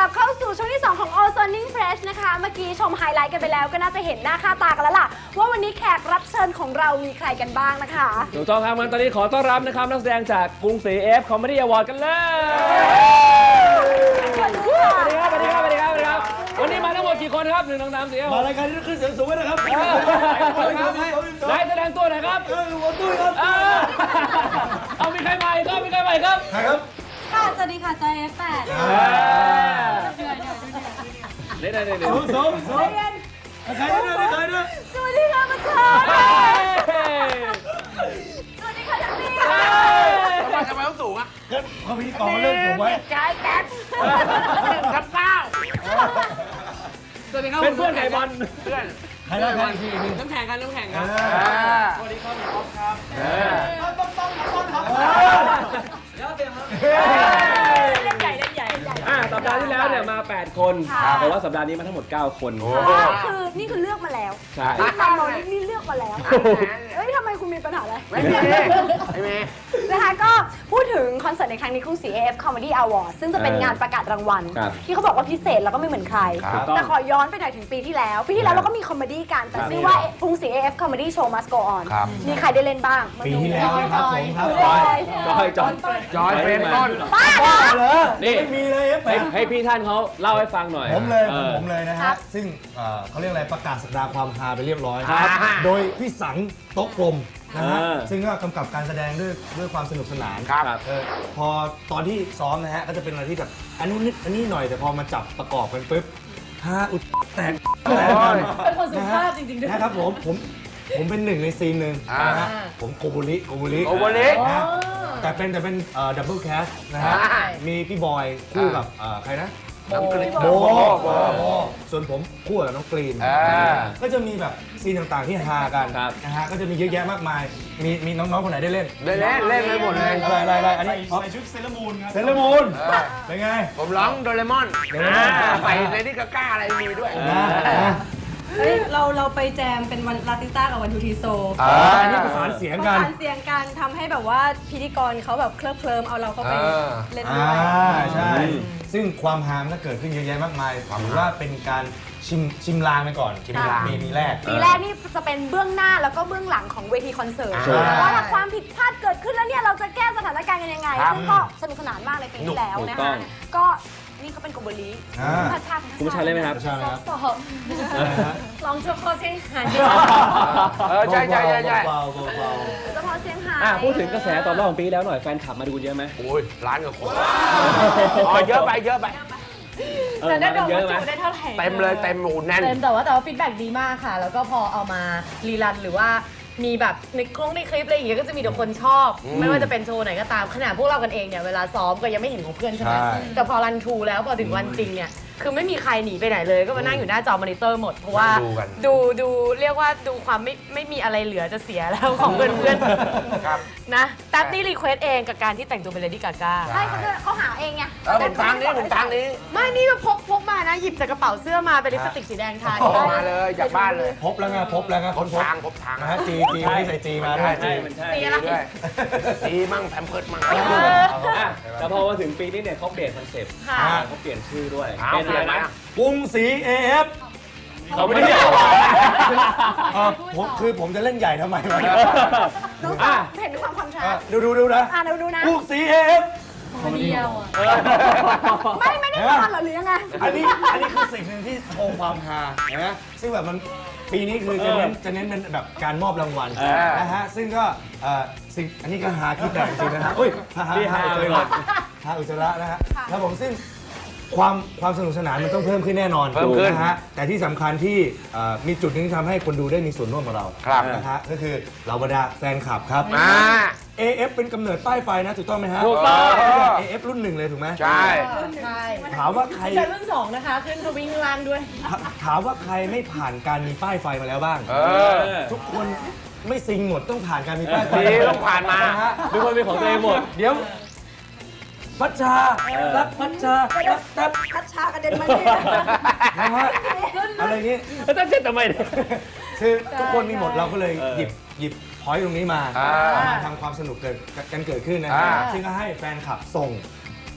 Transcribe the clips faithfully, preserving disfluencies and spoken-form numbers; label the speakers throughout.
Speaker 1: ลับเข้าสู่ช่วงที่สองของ All Sounding Fresh นะคะเมื่อกี้ชมไฮไลท์กันไปแล้วก็น่าจะเห็นหน้าค่าตากันแล้วล่ะว่าวันนี้แขกรับเชิญของเรามีใครกันบ้างนะคะ
Speaker 2: ถูกต้องครับงั้นตอนนี้ขอต้อนรับนะครับนักแสดงจากกรุงศรี เอฟ Comedy Award กันเลยสวัสดีครับสวัสดีครับสวัสดีครับสวัสดีครับวันนี้มาทั้งหมดกี่คนครับหนึ่งสองสามสี่
Speaker 3: มารายการที่ขึ้นเสียงสูงไว้นะครับ
Speaker 2: ได้แสดงตัวหน่อยครับ
Speaker 3: หัวตุ้ยครับ
Speaker 2: เอามีใครใหม่ครับมีใครใหม่ครับ
Speaker 3: ใครครับ
Speaker 4: ค่ะสวัสดีค่ะจอย เอฟ แปด
Speaker 2: เดี๋ยวเดี๋ยวเดี๋ยวเดี๋ยว
Speaker 3: สมสมสมใครเนี่ยใครเนี่ย
Speaker 1: สวัสดีค่ะมาชาสวัสดีค่ะทัพพี่
Speaker 5: ทำไมทำไมต้องสูงอ่ะ
Speaker 3: เขาพิธีกรเริ่มสูงไว้
Speaker 1: ใช่แป๊บ
Speaker 5: กับเก้า
Speaker 2: เป็นเพื่อนไก่บอล
Speaker 5: เพื่อน
Speaker 3: ใครได้ใครทีนึง
Speaker 2: น้ำแข็งกันน้ำแข็งกันสวัสดีครับพี่อ๊อฟครับ
Speaker 3: ต้องต้องต้องครับ
Speaker 2: แล้วเตรียมครับ
Speaker 1: เล่นใหญ่เล่นใหญ่เล่นใหญ่
Speaker 2: อ่าสัปดาห์ที่แล้วเนี่ยมาแปดคนแต่ว่าสัปดาห์นี้มาทั้งหมดเก้าคน
Speaker 1: คือนี่คือเลือกมาแล้ว
Speaker 2: ใช่
Speaker 1: ตามเรานี่เลือกมาแล้วเอ้ยทำไมคุณมีปัญหาอะไร
Speaker 5: ไม่มีไม่มี
Speaker 1: นะคะก็พูดถึงคอนเสิร์ตในครั้งนี้กรุงศรี เอ เอฟ Comedy Award ซึ่งจะเป็นงานประกาศรางวัลที่เขาบอกว่าพิเศษแล้วก็ไม่เหมือนใครแต่ขอย้อนไปหน่อยถึงปีที่แล้วปีที่แล้วเราก็มีคอมเมดี้กันแต่ชื่อว่ากรุงศรี เอ เอฟ Comedy Show Must Go On มีใครได้เล่นบ้าง
Speaker 3: ปีที่แล้วครับผมครับ
Speaker 2: จอยจอยจอย
Speaker 5: จอยเป็นต้น
Speaker 1: บ้าเหรอ
Speaker 2: นี่
Speaker 3: ไม่มีเลย
Speaker 2: ให้พี่ท่านเขาเล่าให้ฟังหน่อย
Speaker 3: ผมเลยผมเลยนะฮะซึ่งเขาเรียกอะไรประกาศสัปดาห์ความฮาไปเรียบร้อยโดยพี่สังโต๊ะกลมนะฮะซึ่งก็กำกับการแสดงด้วยด้วยความสนุกสนาน
Speaker 2: ครับ
Speaker 3: พอตอนที่ซ้อมนะฮะก็จะเป็นอะไรที่แบบอันนู้นนิดอันนี้หน่อยแต่พอมาจับประกอบกันปุ๊บฮาอุดแตก
Speaker 1: เป็นคนสุภาพจริงๆด้วย
Speaker 3: นะครับผมผมผมเป็นหนึ่งในซีนหนึ่งนะฮะผมโกบุริโกบุริ
Speaker 5: โกบุริ
Speaker 3: นะแต่เป็นแต่เป็นดับเบิลแคสนะฮะมีพี่บอยคู่กับใครนะ
Speaker 5: น้องกรีน
Speaker 3: โบส่วนผมคู่กับน้องกรีนก็จะมีแบบซีนต่างๆที่ฮากันนะฮะก็จะมีเยอะแยะมากมายมีมีน้องๆคนไหนได้เล่น
Speaker 5: ได้เล่นเล่นไปหมดเลย
Speaker 3: อะไรอะไรอะไรอันนี้
Speaker 6: ใส่ชุดเซเลมูนครับ
Speaker 3: เซเลมูนเป็นไง
Speaker 5: ผมร้องโดเรมอนใส่เลดี้กาก้าอะไรมีด้วย
Speaker 4: เฮ้ยเราเราไปแจมเป็นวันลาติสต้ากับวันทูทีโซ
Speaker 3: อันนี้ประสานเสียงกัน
Speaker 4: ประสานเสียงกันทำให้แบบว่าพิธีกรเขาแบบเคลิบเคลิ้มเอาเราเข้าไปเล่นด้วย
Speaker 3: ใช่ซึ่งความฮามก็เกิดขึ้นเยอะแยะมากมายถือว่าเป็นการชิมชิมลางไปก่อนชิมลางปีแรก
Speaker 1: ปีแรกนี่จะเป็นเบื้องหน้าแล้วก็เบื้องหลังของเวทีคอนเสิร์ตว่าถ้าความผิดพลาดเกิดขึ้นแล้วเนี่ยเราจะแก้สถานการณ์กันยังไงซึ่งก็สนุกสนานมากในปีที่แล้วนะคะก็นี่เขาเป็นโกโบลีพัชชา
Speaker 2: คุณผู้ชายเล่นไหมครับ
Speaker 1: สอบลองเฉพาะเสียงหาย
Speaker 5: เออใช่ใช่ใช่ใช่
Speaker 1: เฉพาะเสียงหาย
Speaker 2: พูดถึงกระแสตอนรอบของปีแล้วหน่อยแฟนคลับมาดูเยอะไหม
Speaker 5: โอ้ยล้านกว่าคนอ๋อเยอะไปเยอะไป
Speaker 4: แต่ได้ดูว่าจูได้เท่าไหร่
Speaker 5: เต็มเลยเต็มหมูแน่น
Speaker 4: เต็มแต่ว่าแต่ว่าฟีดแบ็กดีมากค่ะแล้วก็พอเอามารีรันหรือว่ามีแบบในกล้องในคลิปอะไรอย่างเงี้ยก็จะมีแต่คนชอบไม่ว่าจะเป็นโชว์ไหนก็ตามขนาดพวกเรากันเองเนี่ยเวลาซ้อมก็ยังไม่เห็นของเพื่อนใช่ไหมแต่พอรันทูแล้วพอถึงวันจริงเนี่ยคือไม่มีใครหนีไปไหนเลยก็มานั่งอยู่หน้าจอมอนิเตอร์หมดเพราะว่าดูดูเรียกว่าดูความไม่ไม่มีอะไรเหลือจะเสียแล้วของเพื่อนเพื่อนนะแท็บนี่รีเควสเองกับการที่แต่งตัวเป็นเลดี้กาก้า
Speaker 1: ใช่เขาเขาหาเองไง
Speaker 5: ผมทางนี้ผมทางนี้
Speaker 4: ไม่นี่แบบพกพกมานะหยิบจากกระเป๋าเสื้อมาเป็นลิปสติกสีแดงทา
Speaker 5: มาเลยจากบ้านเลย
Speaker 3: พบแล้วไงพบแล้วไง
Speaker 5: พบทางพบทาง
Speaker 3: นะฮะจีจีไม่ใส่จีมาด้วยจี
Speaker 1: จีอะไร
Speaker 5: จีมั่งแพมเพิร์ดมั่ง
Speaker 2: แต่พอมาถึงปีนี้เนี่ยเขาเปลี่ยนคอนเซ็ปต์เขาเปลี่ยนชื่อด้วย
Speaker 5: เป็นอะไรนะ
Speaker 3: กรุงศรี เอ เอฟ
Speaker 2: เขาไม่ได้เรียก
Speaker 3: ผมคือผมจะเล่นใหญ่ทำไมวะ
Speaker 1: น้องเห็นความคอนทราสต์
Speaker 3: ดูดูดูนะ
Speaker 1: อ่าดูดูนะ
Speaker 3: กรุงศรี เอ เอฟ
Speaker 4: เดียว
Speaker 1: ไม่ไม่ได้ทำหรอหรือยังไง
Speaker 3: อันนี้อันนี้คือสิ่งหนึ่งที่โชว์ความฮานะซึ่งแบบมันปีนี้คือจะเน้นจะเน้นเป็นแบบการมอบรางวัลนะฮะซึ่งก็สิ่งอันนี้ก็ฮาคิดแบบจริงนะฮะอุ้ยฮาฮาฮาอุจจาระฮาอุจจาระนะฮะแล้วผมซึ่งความความสนุกสนานมันต้องเพิ่มขึ้นแน่นอนนะฮะแต่ที่สำคัญที่มีจุดนึงที่ทำให้คนดูได้มีส่วนร่วมกับเรานะฮะก็คือเหล่าบรรดาแฟนคลับครับ เอ เอฟ เป็นกำเนิดป้ายไฟนะถูกต้องไหมฮะ
Speaker 2: ถูกต้อง
Speaker 3: เอ เอฟ รุ่นหนึ่งเลยถูกไหม
Speaker 5: ใช่
Speaker 3: ถามว่าใคร
Speaker 4: รุ่นสองนะคะขึ้นทวิงล่างด้วย
Speaker 3: ถามว่าใครไม่ผ่านการมีป้ายไฟมาแล้วบ้างทุกคนไม่ซิงหมดต้องผ่านการมีป้ายไฟ
Speaker 5: ต้องผ่านมา
Speaker 2: ทุกคนเป็นของตัวเองหมด
Speaker 3: เดี๋ยวพัชชารักพัชชารักแต่
Speaker 1: พัชชากระเด็นมา
Speaker 3: นี่นะฮะอะไรนี้
Speaker 2: แล้วต้องเช็ดทำไม
Speaker 3: คือทุกคนมีหมดเราก็เลยหยิบหยิบพอยต์ตรงนี้มาเอามาทำความสนุกเกิดกันเกิดขึ้นนะฮะซึ่งก็ให้แฟนคลับส่ง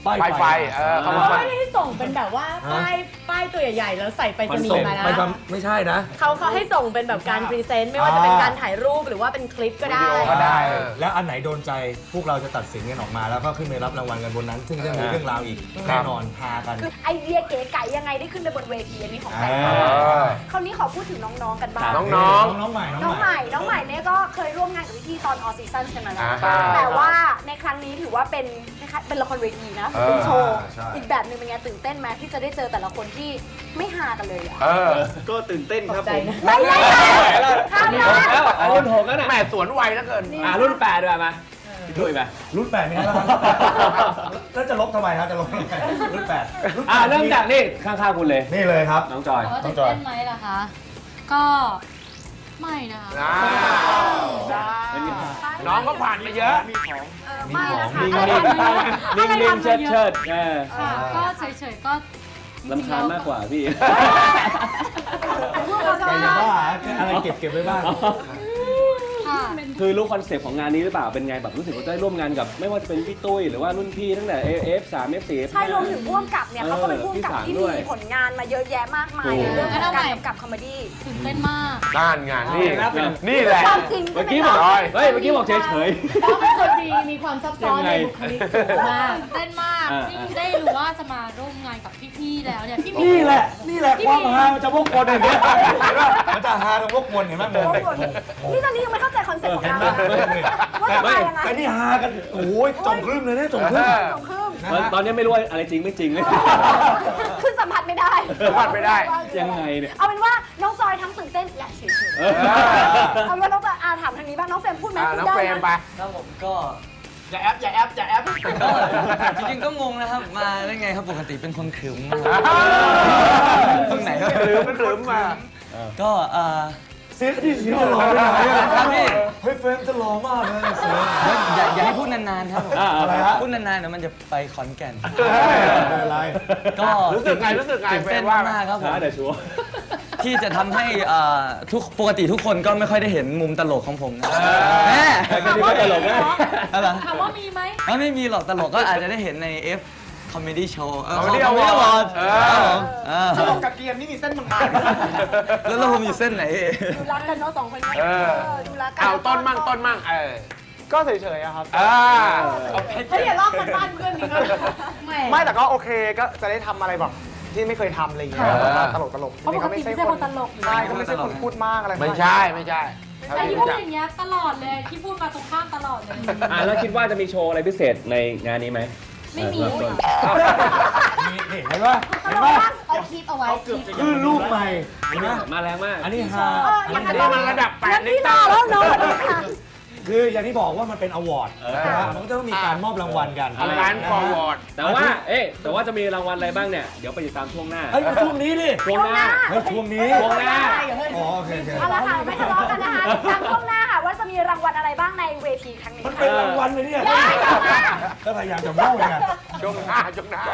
Speaker 3: ป้าย
Speaker 5: ไฟไฟเออ
Speaker 4: เขา
Speaker 5: เขา
Speaker 4: ไม่ได้ส่งเป็นแบบว่าป้ายป้ายตัวใหญ่ๆแล้วใส่ไปสนีย์มานะ
Speaker 3: ไม่ทำไม่ใช่นะ
Speaker 4: เขาเขาให้ส่งเป็นแบบการพรีเซนต์ไม่ว่าจะเป็นการถ่ายรูปหรือว่าเป็นคลิปก็ได้
Speaker 5: ก็ได้
Speaker 3: แล้วอันไหนโดนใจพวกเราจะตัดสินกันออกมาแล้วก็ขึ้นไปรับรางวัลกันบนนั้น ซึ่งจะมีเรื่องราวอีกแน่นอนพากัน
Speaker 1: คือไอเดียเก๋ไก๋ยังไงได้ขึ้นไปบนเวทีอันนี้ของแฟน
Speaker 3: อ่า
Speaker 1: คราวนี้ขอพูดถึงน้องๆกันบ้าง
Speaker 5: น้อง
Speaker 3: น้องน้องใหม่
Speaker 1: น้องใหม่ น้องใหม่เนี่ยก็เคยร่วมงานกับพี่ๆตอนออซีซั่นกันมาแล้ว
Speaker 5: อ่า
Speaker 1: แต่ว่าในครั้งนี้ถือว่าเป็นนะคะเป็นละครเวทีนะ
Speaker 5: เออ
Speaker 1: เป็นโชว์
Speaker 3: ใช่
Speaker 1: อีกแบบหนึ่งเป็นไงตื่นเต้นไหมที่จะได้เจอแต่ละคนที่ไม่ฮากันเลยอะ
Speaker 5: เออ
Speaker 2: ก็ตื่นเต้นครับ
Speaker 4: ใจ
Speaker 2: ผม
Speaker 4: นะ
Speaker 1: ไม่ไม่ไม่ข้าม
Speaker 2: รุ่น
Speaker 1: นะ
Speaker 2: หกแล้วอ่ะรุ่นหกแล้วนะ
Speaker 5: แม่สวนไวแล้วเกิน
Speaker 2: อ่ะรุ่นแปดด้วยมาพี่ตุ้ยไป
Speaker 3: รุ่นแปดมีอะไรบ้างแล้วจะลบทำไมครับจะลบทำไมรุ่นแปดรุ่นแปด
Speaker 2: อ่ะเริ่มจากนี่ข้างๆคุณเลย
Speaker 3: นี่เลยครับ
Speaker 2: น้องจอย
Speaker 6: ว่าตื่นเต้นไหมล่ะคะ ก็ไม่นะคะ
Speaker 5: อ่า
Speaker 2: เป็นไง
Speaker 5: น้องก็ผ่านมาเยอะ
Speaker 1: เออไม่ละค่ะ
Speaker 2: นิ่ง
Speaker 1: อะไร
Speaker 2: นิ่ง
Speaker 1: ทำ
Speaker 2: นิ่งนิ่งเชิดเชิดเออ
Speaker 6: ค่ะ ก็เฉยๆ ก็จริง
Speaker 2: ลำ
Speaker 6: ๆ
Speaker 2: คาญมากกว่าพี่
Speaker 1: พวกเราจะ
Speaker 3: ใครจะ
Speaker 1: ว่า
Speaker 3: ว่าอะไรเก็บเก็บไว้บ้าง
Speaker 6: ค่ะ
Speaker 2: คือรู้คอนเซปต์ของงานนี้หรือเปล่า เป็นไงแบบรู้สึกว่าได้ร่วมงานกับไม่ว่าจะเป็นพี่ตุ้ยหรือว่ารุ่นพี่ตั้งแต่ เอ ฟ สาม เอฟ สี่ เอฟ ห้า
Speaker 1: ใช่รวมถึงพ่วงกับเนี่ยเขาก็เป็นพ่วงกับที่มีผลงานมาเยอะแยะมากมายในเรื่องของการกำกับคอมเมดี้
Speaker 6: ตื่นเต้นมาก
Speaker 5: ด้านงานนี่นี่แหละ
Speaker 1: ความจริง
Speaker 2: เมื่
Speaker 1: ใช่
Speaker 2: อ
Speaker 1: ไหม
Speaker 2: กี้บ
Speaker 1: คะ
Speaker 2: อกเฮ้ย เมื่อกี้บอกเฉยเฉย
Speaker 4: เขาเป็นคนดีมีความซับซ้อนในบุคลิกสูงมาก
Speaker 6: ตื่นเต้นมาก
Speaker 2: อ่า
Speaker 6: ที่ได้รู้ว่าจะมาร่วมงานกับพี่ๆ แล้วเนี่ย พี่
Speaker 3: นี่แหละ นี่แหละความฮามันจะวกวนอย่างเงี้ยมันจะฮาตรงวกวนเห็นไหมโม
Speaker 1: โอ้โหนี่ตอนนี้ยังไม่เข้าใจคอนเซ็ปต์ของเราเลยว่าจะมายังไง
Speaker 3: แต่นี่ฮากันโอ้ยจงครึ่มเลยเนี่ยจงครึ่ม
Speaker 1: สองครึ่ง
Speaker 3: นะ
Speaker 2: ตอน
Speaker 3: ฮะ
Speaker 2: ตอนนี้ไม่รู้ว่าอะไรจริงไม่จริงเลย
Speaker 1: คือสัมผัสไม่ได้
Speaker 5: สัมผัสไม่ได้
Speaker 2: ยังไงเนี่ย
Speaker 1: เอาเป็นว่าน้องจอยทั้งตื่นเต้นและเฉย
Speaker 2: เออ
Speaker 1: ๆเอาเป็นว่าน้องจอยอาถามทางนี้บ้างน้องเฟรมพูดไหม
Speaker 5: อ่า
Speaker 1: พู
Speaker 5: น้
Speaker 1: ด
Speaker 5: อง
Speaker 1: ได้
Speaker 5: เฟรม
Speaker 1: นะ
Speaker 5: ไป
Speaker 7: ครับผมก็
Speaker 5: อย่าแอปอย่าแอปอย่าแอป
Speaker 7: ก็จริงๆก็งงนะครับ มาได้ไงครับปกติเป็นคนขรึมมากตรงไหนครับ
Speaker 5: ขรึมขรึมมา
Speaker 7: ก็เอ่อ
Speaker 3: เสียงที่เสียงหล่อไปไหนอะ
Speaker 7: ครับพี่
Speaker 3: เฮ้ยเฟรมจะหล่อมากเลยเสียง
Speaker 7: อย่าอย่าให้พูดนานๆครับผม
Speaker 2: อ่า
Speaker 3: อะไรฮะ
Speaker 7: พูดนานๆเดี๋ยวมันจะไปขอนแก่น
Speaker 3: ไม่เป็นไร
Speaker 7: ก็
Speaker 5: รู้สึกไงรู้สึกไง
Speaker 7: ตื่น
Speaker 5: เฟร
Speaker 7: เต้น
Speaker 5: มว่า
Speaker 7: มากๆครับผม
Speaker 2: ช้าแต่ชัวร์
Speaker 7: ที่จะทำให้เอ่อทุกปกติทุกคนก็ไม่ค่อยได้เห็นมุมตลกของผมนะแม่
Speaker 2: แต่ก็นี่ก็ตลกนะ
Speaker 7: อะไร
Speaker 6: ถามว่ามีไหม
Speaker 7: เอ้าไม่มีหรอกตลกก็อาจจะได้เห็นใน F Comedy Show เออ
Speaker 5: Comedy
Speaker 7: Comedy
Speaker 5: Award
Speaker 7: Award
Speaker 5: เออ
Speaker 7: ครับผมเออ
Speaker 5: ตลกกับเกียร์นี่มีเส้นบาง
Speaker 7: แล้วแล้วผมอยู่เส้นไหน
Speaker 1: ดูรักกันเนาะสองคนนี้
Speaker 5: เออ
Speaker 1: ดูรักกั
Speaker 5: เอาต้นมั่งต้นมั่งเออ
Speaker 8: ก็เฉยๆอะครับ
Speaker 5: อ่า
Speaker 4: เฮ้ยอย่าลอกกันบ้านเพื่อนนี่ก็แห
Speaker 8: ไม่แต่ก็โอเคก็จะได้ทำอะไรแบบที่ไม่เคยทำอะไรอย่างเงี้ย
Speaker 5: ค่ะ
Speaker 8: ตลกตลกๆ
Speaker 1: เพราะปกติไม่ใช่คนตลก
Speaker 8: ใช่ก็ไม่ใช่คนพูดมากอะไร
Speaker 5: ไม่ใช่ไม่ใช่
Speaker 6: แต่ที่พูดอย่างเงี้ยตลอดเลย ที่พูดมาตรงข้ามตลอดเลย
Speaker 2: อ่ะแล้วคิดว่าจะมีโชว์อะไรพิเศษในงานนี้ไหม
Speaker 6: ไม่มี
Speaker 2: เริ่ต้น
Speaker 3: นี่เห็นป่ะเห็นป่ะ
Speaker 4: เอาคลิปเอาไว้
Speaker 3: คือลูกใหม่เห็นไหม
Speaker 2: มาแรงมาก
Speaker 3: อันนี้ฮา
Speaker 1: เออ
Speaker 3: อัน
Speaker 1: อย่าง
Speaker 3: นี้
Speaker 1: นั้น
Speaker 5: นี่มันระดับแปด
Speaker 1: งั้น
Speaker 5: ลิ
Speaker 1: พี่
Speaker 5: ต
Speaker 1: ร
Speaker 5: ร
Speaker 1: อแล้วเนาะค่ะ
Speaker 3: คืออย่างที่บอกว่ามันเป็นอวอร์ดนะฮะมันก็ต้องมีการมอบรางวัลกัน
Speaker 5: ทำงานฟอร์วอร์ด
Speaker 2: แต่ว่า เอ๊ะ แต่ว่าจะมีรางวัลอะไรบ้างเนี่ย เดี๋ยวไปติดตามช่วงหน้า
Speaker 3: เฮ้ยมาช่วงนี้ดิ
Speaker 2: ช่วงหน้า
Speaker 3: เฮ้ยช่วงนี้
Speaker 2: ช่วงหน้า
Speaker 3: อ๋อโอเคโอเค
Speaker 1: เอาละค่ะไม่ทะเลาะกันนะคะทางช่วงหน้าค่ะว่าจะมีรางวัลอะไรบ้างในเวทีครั้งนี้
Speaker 3: มัน
Speaker 1: ค่ะ
Speaker 3: เป็นรางวัลเลยเนี่ยก็พยายามจะโม้ไง
Speaker 5: ช่วงหน้าช่วงหน้า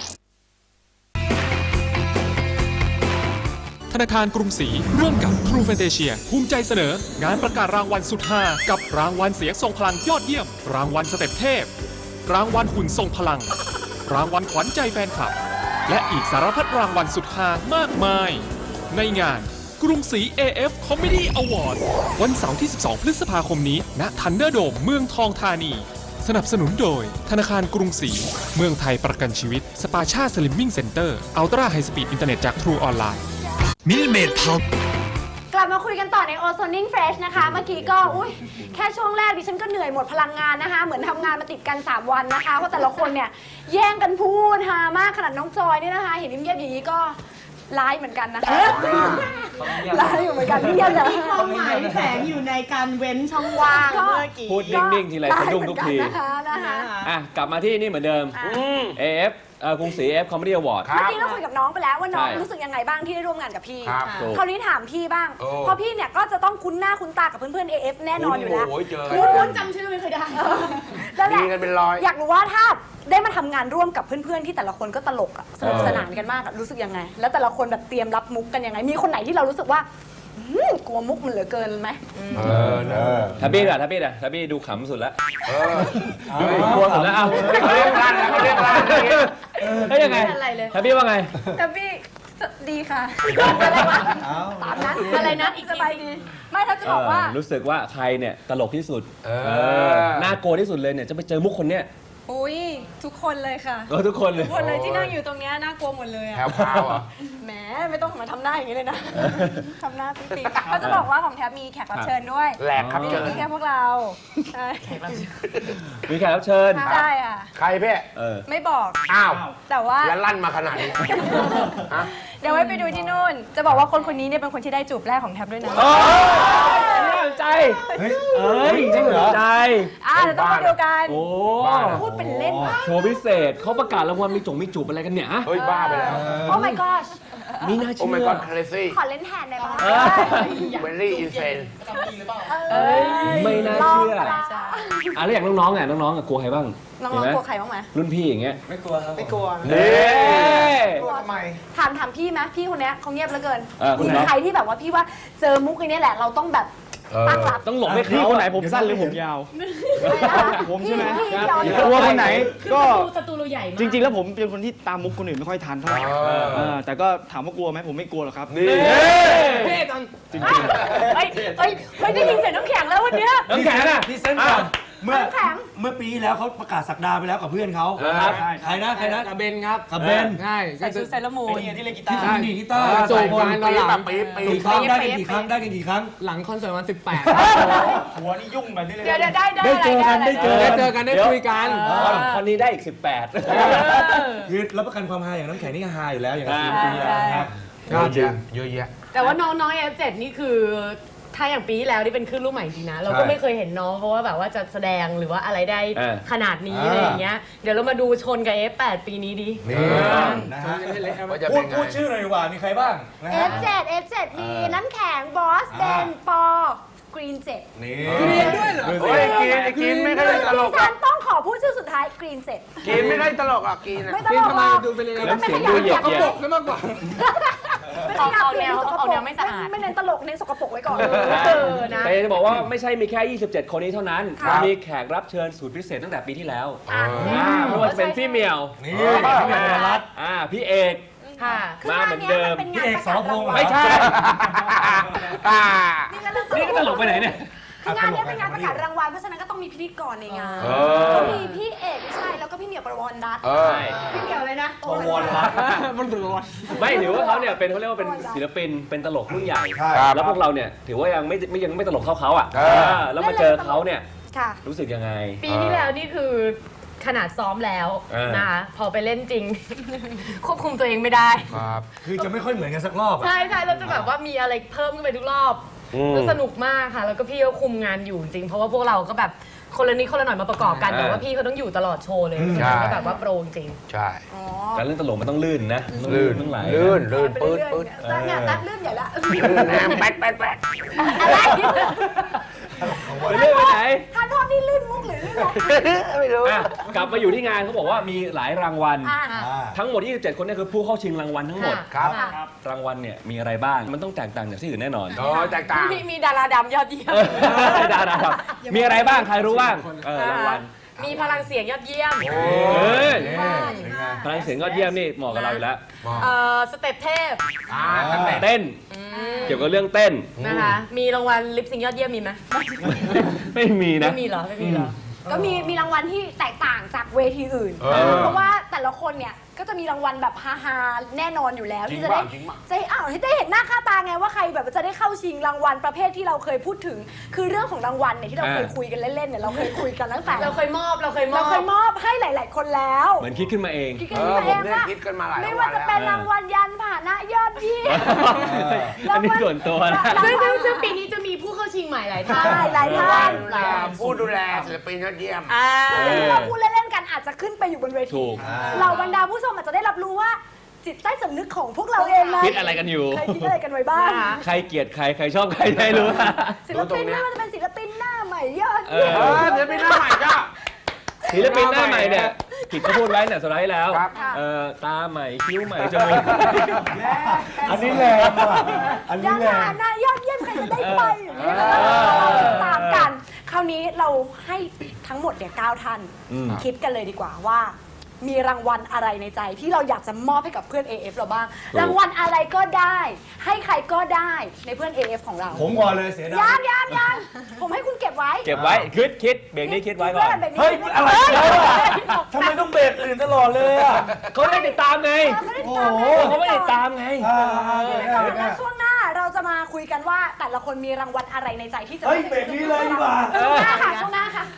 Speaker 9: ธนาคารกรุงศรีร่วมกับ True Fantasia ภูมิใจเสนอ งานประกาศรางวัลสุดฮากับรางวัลเสียงทรงพลังยอดเยี่ยม รางวัลสเต็ปเทพ รางวัลหุ่นทรงพลัง รางวัลขวัญใจแฟนคลับ และอีกสารพัดรางวัลสุดฮามากมาย ในงานกรุงศรี เอ เอฟ Comedy Award วันเสาร์ที่ สิบสอง พฤษภาคมนี้ณทันเดอร์โดมเมืองทองธานี สนับสนุนโดยธนาคารกรุงศรีเมืองไทยประกันชีวิตสปาชาสลิมมิ่งเซ็นเตอร์อัลตร้าไฮสปีดอินเทอร์เน็ตจาก True ออนไลน์มิลเมดพาว
Speaker 1: กลับมาคุยกันต่อใน Ozoning Fresh นะคะ เมื่อกี้ก็อุ้ยแค่ช่วงแรกดิฉันก็เหนื่อยหมดพลังงานนะคะ เหมือนทำงานมาติดกัน สาม วันนะคะ เพราะแต่ละคนเนี่ยแย่งกันพูดฮามากขนาดน้องจอยนี่นะคะ เห็นเงียบๆอย่างนี้ก็ร้ายเหมือนกันนะคะร้ายอยู่เหมือนกันเงียบเลย
Speaker 4: มีความหมายแฝงอยู่ในการเว้นช่องว่างเมื่อกี้
Speaker 2: พูดนิ่งๆทีไรสะดุ้งทุกที
Speaker 1: นะคะนะคะ
Speaker 2: อ่ะ กลับมาที่นี่เหมือนเดิม
Speaker 1: อ่ะ
Speaker 2: เอ เอฟ เอ่อกรุงศรี เอ เอฟ Comedy Award
Speaker 1: เมื่อกี้เราคุยกับน้องไปแล้วว่าน้อง
Speaker 2: ใช่
Speaker 1: รู้สึกยังไงบ้างที่ได้ร่วมงานกับพี่
Speaker 5: ครับ
Speaker 2: ถูก
Speaker 1: คราวนี้ถามพี่บ้าง
Speaker 5: โอ้
Speaker 1: เพราะพี่เนี่ยก็จะต้องคุ้นหน้าคุ้นตากับเพื่อนๆ เอ เอฟ แน่นอนอยู่แล้ว
Speaker 5: โอ้ยเจอ
Speaker 4: คุณจำชื่อไม่เคยได้
Speaker 1: นั่นแห
Speaker 5: มี
Speaker 1: ละ
Speaker 5: กันเป็นร้อย
Speaker 1: อยากรู้ว่าถ้าได้มาทำงานร่วมกับเพื่อนๆที่แต่ละคนก็ตลกอะสนุกสนานกันมากอะรู้สึกยังไง แล้วแต่ละคนแบบเตรียมรับมุกกันยังไง มีคนไหนที่เรารู้สึกว่ากลัวมุกมันเหลือเกินไหม
Speaker 3: เออเนอะ
Speaker 2: ทับบี้อะทับบี้อะทับบี้ดูขำสุดแล้วกลัวสุดแล้วเอา
Speaker 5: เรียกร้านแล้วเรียกร้าน
Speaker 2: เฮ้ยยังไงทับบี้ว่าไง
Speaker 1: ทับบี้ดีค่ะอะไรวะตามนั้นอะไรนะอีกสบายดีไม่ถ้าจะบอกว่า
Speaker 2: รู้สึกว่าใครเนี่ยตลกที่สุดน่ากลัวที่สุดเลยเนี่ยจะไปเจอมุกคนเนี้ย
Speaker 1: อุ้ยทุกคนเลยค่ะ
Speaker 2: เออทุกคนเลย
Speaker 1: ทุกคนเลยที่นั่งอยู่ตรงนี้น่ากลัวหมดเลยอะ
Speaker 5: แถวพาวอ่ะ
Speaker 1: แหมไม่ต้องมาทำหน้าอย่างนี้เลยนะทำหน้าปิ๊งๆเขาจะบอกว่าของแทบมีแขกรับเชิญด้วย
Speaker 5: แหลกครับเชิญ
Speaker 1: มีแค่พวกเรา
Speaker 2: มีแขกรับเชิญ
Speaker 1: ใช่ค่ะ
Speaker 5: ใครเพ่
Speaker 1: ไม่บอก
Speaker 5: อ้าว
Speaker 1: แต่ว่า
Speaker 5: แล้วลั่นมาขนาดนี้
Speaker 1: เดี๋ยวไว้ไปดูที่นู่นจะบอกว่าคนคนนี้เนี่ยเป็นคนที่ได้จูบแรกของแทบด้วยนะ
Speaker 2: น่าสนใจเฮ้ยเอ้ยจริงเหรอใจ
Speaker 1: อ่าเดี๋ยวต้องมาดูกัน
Speaker 2: โอ้
Speaker 1: พูดเป็นเล่น
Speaker 2: โชว์พิเศษเขาประกาศรางวัลมีจงมีจูบอะไรกันเนี่ย
Speaker 5: เฮ้ยบ้าไปแล้ว
Speaker 1: โอ้ my god
Speaker 2: มีน่าเชื่อ
Speaker 5: โอ้ my god crazy
Speaker 1: ขอเล่นแทนได้ป่ะ
Speaker 5: very insane
Speaker 2: ไม่น่าเชื่ออ่ะแล้วอย่างน้องๆอ่ะน้องๆกลัวใครบ้าง
Speaker 1: น้องๆกลัวใครบ้างไหม
Speaker 2: รุ่นพี่อย่างเงี้ย
Speaker 8: ไม่กลัวครับไม่กลัว
Speaker 2: เน่
Speaker 8: กลัวทำไม
Speaker 1: ถามถามพี่ไหมพี่คนนี้เขาเงียบเหลือเกิน
Speaker 2: มี
Speaker 1: ใครที่แบบว่าพี่ว่าเจอมุกนี้แหละเราต้องแบบตั้งหลัก
Speaker 2: ต้องหลบให้
Speaker 10: เขาคนไหนผมสั้นหรือผมยาวผมใช่ไหมกลัวคนไหนก็
Speaker 4: ศัตรูเราใหญ่
Speaker 10: จริงๆแล้วผมเป็นคนที่ตามมุกคนอื่นไม่ค่อยทันเท่าไหร่แต่ก็ถามว่ากลัวไหมผมไม่กลัวหรอกครับ
Speaker 2: นี่
Speaker 1: เท่จังจริงๆเฮ้ยเฮ้ยเฮ้ยได้ยินเสียงน้ำแข็งแล้ววันนี้
Speaker 2: น้ำแข็งอ่ะ
Speaker 3: พี่เซนก่อนเมื่อเมื่อปีแล้วเขาประกาศสักดาไปแล้วกับเพื่อนเขาใครนะใครนะ
Speaker 8: กับเบนครับ
Speaker 3: กับเบน
Speaker 8: ใช่
Speaker 1: ใส่ชุดไซรัมมูน
Speaker 8: ที่เล่นกีตาร์
Speaker 3: ที่ดีกีตาร์
Speaker 5: โจมกันตอนหลังปีปี
Speaker 3: กี่ครั้งได้กันกี่ครั้งได้กันกี่ครั้ง
Speaker 8: หลังคอนเสิร์ตวันสิบแปด
Speaker 3: หัวนี่ยุ่งแบบนี้เลย
Speaker 1: เดี๋ยวได้ได้
Speaker 3: ได้เจอกันได้เจอ
Speaker 8: ได้เจอกันได้คุยกัน
Speaker 2: คนนี้ได้อีกสิบแปด
Speaker 3: คือรับประกันความฮาอย่างน้ำแข็งนี่ฮาอยู่แล้วอย่างนี้ปีแล้วครับ
Speaker 5: เยอะแยะเยอะแยะ
Speaker 4: แต่ว่าน้องๆ เอฟ เจ็ด นี่คือถ้าอย่างปีที่แล้วนี่เป็นคลื่นลูกใหม่จริงนะเราก็ไม่เคยเห็นน้องเพราะว่าแบบว่าจะแสดงหรือว่าอะไรได้ขนาดนี้อะไรอย่างเงี้ยเดี๋ยวเรามาดูชนกับ เอฟ แปด ปีนี้ดิ
Speaker 3: นี่นะฮะพูดพูดชื่อหน่อยดีกว่ามีใครบ้าง
Speaker 1: เอฟ เจ็ด เอฟ เจ็ด มีน้ำแข็งบอสเดนปอกรีนเจ็ด
Speaker 3: นี่
Speaker 8: กรีนด้วยเหรอ
Speaker 5: โอ้ยกรีนกรีนไม่ได้ตลก
Speaker 1: ฉันต้องขอพูดชื่อสุดท้ายกรีนเจ็ด
Speaker 5: กรีนไม่ได้ตลกอ่ะกรีน
Speaker 1: ไม่ตลกอ่ะ
Speaker 8: ดูเป็นยังไง
Speaker 1: ไม่ขยันอยากกระปก
Speaker 8: ไม่มากกว่า
Speaker 4: เอาแนวเอาแนวไม่สะอาด
Speaker 1: ไม่เน้นตลกเน้นสกปรกไว้ก่อน
Speaker 2: แต่จะบอกว่าไม่ใช่มีแค่ยี่สิบเจ็ดคนนี้เท่านั้นมีแขกรับเชิญสูตรพิเศษตั้งแต่ปีที่แล้วไม่ว่าจะเป็นพี่เมียว
Speaker 3: นี่พี่เมียวรัตน์
Speaker 2: พี่เอกมาเหมือนเดิม
Speaker 3: พี่เอกสรพงษ์
Speaker 2: ไม่ใช่นี่ก็ตลกไปไหนเนี่ย
Speaker 1: งานนี้เป็นงานประกาศรางวัลเพราะฉะนั้นก็ต้องมีพิธีกรในงานก็มีพี่เอกใช่แล้วก็พี่เหมียวประวรรัตน์พี่เหมียวเลยนะ
Speaker 2: ประวรรัตน์มันถือว่าไม่ถือว่าเขาเนี่ยเป็นเขาเรียกว่าเป็นศิลปินเป็นตลกรุ่นใหญ่แล้วพวกเราเนี่ยถือว่ายังไม่ไม่ยังไม่ตลกเท่าเขาอ่ะแล้วมาเจอเขาเนี่ยรู้สึกยังไง
Speaker 4: ปีที่แล้วนี่คือขนาดซ้อมแล้วนะคะพอไปเล่นจริงควบคุมตัวเองไม่ได้
Speaker 3: คือจะไม่ค่อยเหมือนกันสักรอบ
Speaker 4: ใช่ใช่เราจะแบบว่ามีอะไรเพิ่มขึ้นไปทุกรอบแล้วสนุกมากค่ะแล้วก็พี่ก็คุมงานอยู่จริงเพราะว่าพวกเราก็แบบคนละนิดคนละหน่อยมาประกอบกันแต่ว่าพี่เขาต้องอยู่ตลอดโชว์เลยก็แบบว่าโปรจริง
Speaker 5: ใช่
Speaker 2: การเล่นตลกมันต้องลื่นนะ
Speaker 5: ลื่น
Speaker 2: ต้องไหล
Speaker 5: ลื่นลื่นปื๊ดปื๊ด
Speaker 1: เนี่ยตัดลื่นใหญ่ละ
Speaker 5: แป๊ดแป๊ดแป๊ด
Speaker 2: ไปเรื่อยไปไหน
Speaker 1: ท่านโทษนี่ลื่นมุกหรือลื่นอะไร
Speaker 5: ไม่รู้
Speaker 2: กลับมาอยู่ที่งานเขาบอกว่ามีหลายรางวัลทั้งหมดยี่สิบเจ็ดคนนี่คือผู้เข้าชิงรางวัลทั้งหมด
Speaker 5: ครับ
Speaker 2: รางวัลเนี่ยมีอะไรบ้างมันต้องแตกต่างจากที่อื่นแน่นอน
Speaker 5: อ๋อแตกต่าง
Speaker 4: มีมีดาราดำยอดเยี่ยม
Speaker 2: ดาราดำมีอะไรบ้างใครรู้บ้างรางวัล
Speaker 4: มีพลังเสียงยอดเยี่ยม
Speaker 2: พลังเสียงยอดเยี่ยมนี่เหมาะกับเราอยู่แล้ว
Speaker 4: สเต็ปเทพ
Speaker 2: เต้นเกี่ยวกับเรื่องเต้น
Speaker 4: นะคะมีรางวัลลิปซิงยอดเยี่ยมมีไหม
Speaker 2: ไม่มีนะ
Speaker 4: ไม่มีเหรอไม่มีเหรอ
Speaker 1: ก็มีมีรางวัลที่แตกต่างจากเวทีอื่นเพราะว่าแต่ละคนเนี่ยก็จะมีรางวัลแบบฮาๆแน่นอนอยู่แล้วที่จะได้จะอ้าวให้ได้เห็นหน้าค่าตาไงว่าใครแบบจะได้เข้าชิงรางวัลประเภทที่เราเคยพูดถึงคือเรื่องของรางวัลเนี่ยที่เราเคยคุยกันเล่นๆเนี่ยเราเคยคุยกันตั้งแต่
Speaker 4: เราเคยมอบเราเคยมอบ
Speaker 1: เราเคยมอบให้หลายๆคนแล้ว
Speaker 2: เหมือนคิดขึ้นมาเอง
Speaker 1: คิดขึ้นมาเองว่าไม่ว่าจะเป็นรางวัลยันผ่านะยอดเยี่ยม
Speaker 2: อันนี้ส่วนตัวนะ
Speaker 4: ซึ่งซึ่งปีนี้จะมีผู้เข้าชิงใหม่หลายท่าน
Speaker 1: หลายท่าน
Speaker 5: ผู้ดูแลศิลปินยอดเยี่ยม
Speaker 1: ที่เราพูดเล่นๆกันอาจจะขึ้นไปอยู่บนเวทีเราบรรดาผู้ชมอาจจะได้รับรู้ว่าจิตใต้สำนึกของพวกเราเองนะ
Speaker 2: คิดอะไรกันอยู่
Speaker 1: ใครคิดอะไรกันไว้บ้าง
Speaker 2: ใครเกลียดใครใครชอบใครได้รู้
Speaker 1: ศิลปินไม่ว่าจะเป็นศิลปินหน้าใหม่ยอด
Speaker 5: ศิลปินหน้าใหม่ก็
Speaker 2: ศิลปินหน้าใหม่เนี่ยผิดเขาพูดไว้เนี่ยสุดท้ายแล้วตาใหม่คิ้วใหม่จมูก
Speaker 3: อันนี้แรงว่ะ
Speaker 1: อันนี้แรงหน้ายอดเยี่ยมจะได้ไปอย่างนี้ตามกันคราวนี้เราให้ทั้งหมดเนี่ยเก้าท่านคิดกันเลยดีกว่าว่ามีรางวัลอะไรในใจที่เราอยากจะมอบให้กับเพื่อน เอ เอฟ เราบ้างรางวัลอะไรก็ได้ให้ใครก็ได้ในเพื่อน เอ เอฟ ของเรา
Speaker 3: ผมก่อนเลยเสียดาย
Speaker 1: ยานยานยานผมให้คุณเก็บไว้
Speaker 2: เก็บไว้คิดคิดเบรกนี้คิดไว้ก่อน
Speaker 3: เฮ้ยอะไรทำไมต้องเบรกอื่นตลอดเลยอ่ะ
Speaker 2: เขาไม่ติดตามไงโอ้โหเขาไม่ติดตามไง
Speaker 1: แล้วช่วงหน้าเราจะมาคุยกันว่าแต่ละคนมีรางวัลอะไรในใจที่จะ
Speaker 3: เฮ้ยเบรกนี้เลยดีกว่า
Speaker 1: ช่วงหน้าค่ะช่วงหน้าค่ะ